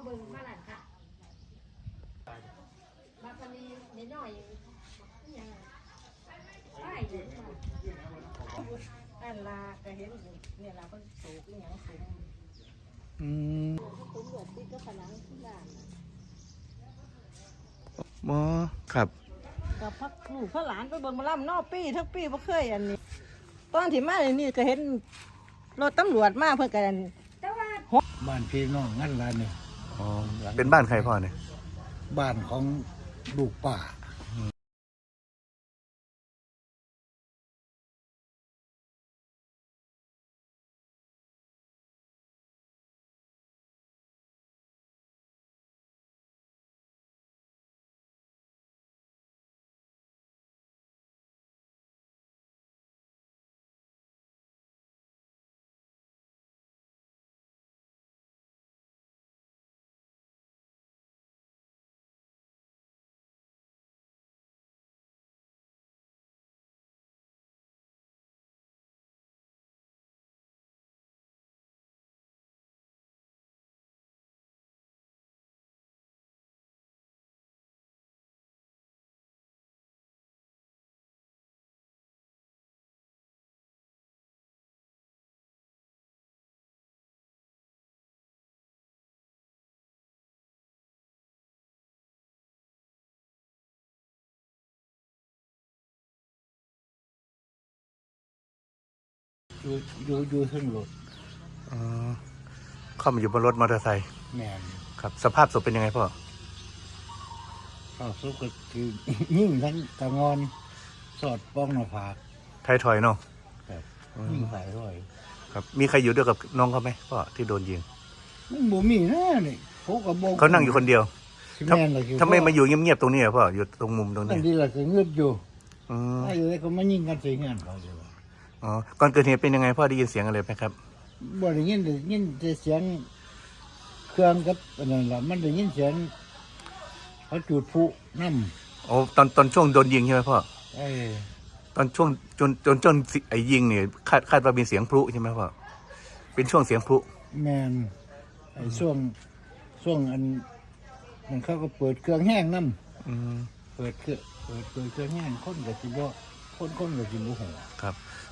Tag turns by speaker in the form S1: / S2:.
S1: เบิ่งมาหลังค่ะมาพอดีนิดหน่อยยังไปอยู่อันลาก็เห็นเนี่ยเราก็สูงอย่างสูงสูงเหลือติดก็ผนังที่บ้าน
S2: หมอครับ
S1: กับพักลูกพระหลานไปเบิ่งมาล่ำนอกปีทั้งปีบ่เคยอันนี้ตอนที่มานี่ก็เห็นรถตำรวจมาเพื่อกันแต่ว่า
S3: บ้านพี่น้องงั้นร้านนี่
S2: อ๋อเป็นบ้านใครพ่อเนี่ย
S3: บ้านของลูกป่าอยู่ขึ้นรถ
S2: อ๋อเข้ามาอยู่บนรถมอเตอร์ไซค์
S3: แม่น
S2: ครับสภาพศพเป็นยังไงพ่อ
S3: ข้าวซุปก็คือยิ่งทั้งตะงอนสอดป้องหน้าผาก
S2: ไทยถอยเนาะ
S3: ครับยิ่งใส่ด้วย
S2: ครับมีใครอยู่ด้วยกับน้องเขาไหมพ่อที่โดนยิง
S3: มันบ่มีนะนี่
S2: เขานั่งอยู่คนเดียวทำไมมาอยู่เงียบๆตรงนี้พ่ออยู่ตรงมุมตรงนี้
S3: นั่นดีละก็เงือดอยู่ถ้าอยู่ได้ก็มายิงกันใส่เงี้ยเขาอยู่
S2: อ๋อก่อนเกิดเหตุเป็นยังไงพ่อได้ยินเสียงอะไรไหมครับ
S3: บ่ได้ยินเสียงเครื่องกับอะไรล่ะมันได้ยินเสียงเขาจุดพลุน้
S2: ำโอ้ตอนช่วงโดนยิงใช่ไหมพ่อตอนช่วงจนไอ้ยิงเนี่ยคาดว่าเป็นเสียงพลุใช่ไหมพ่อเป็นช่วงเสียงพลุ
S3: แมนไอ้ช่วงอันมันเขาก็เปิดเครื่องแห้งน้ำเปิดเครื่องแห้งคนกับจิบคนกับจิบหัว
S2: ครับ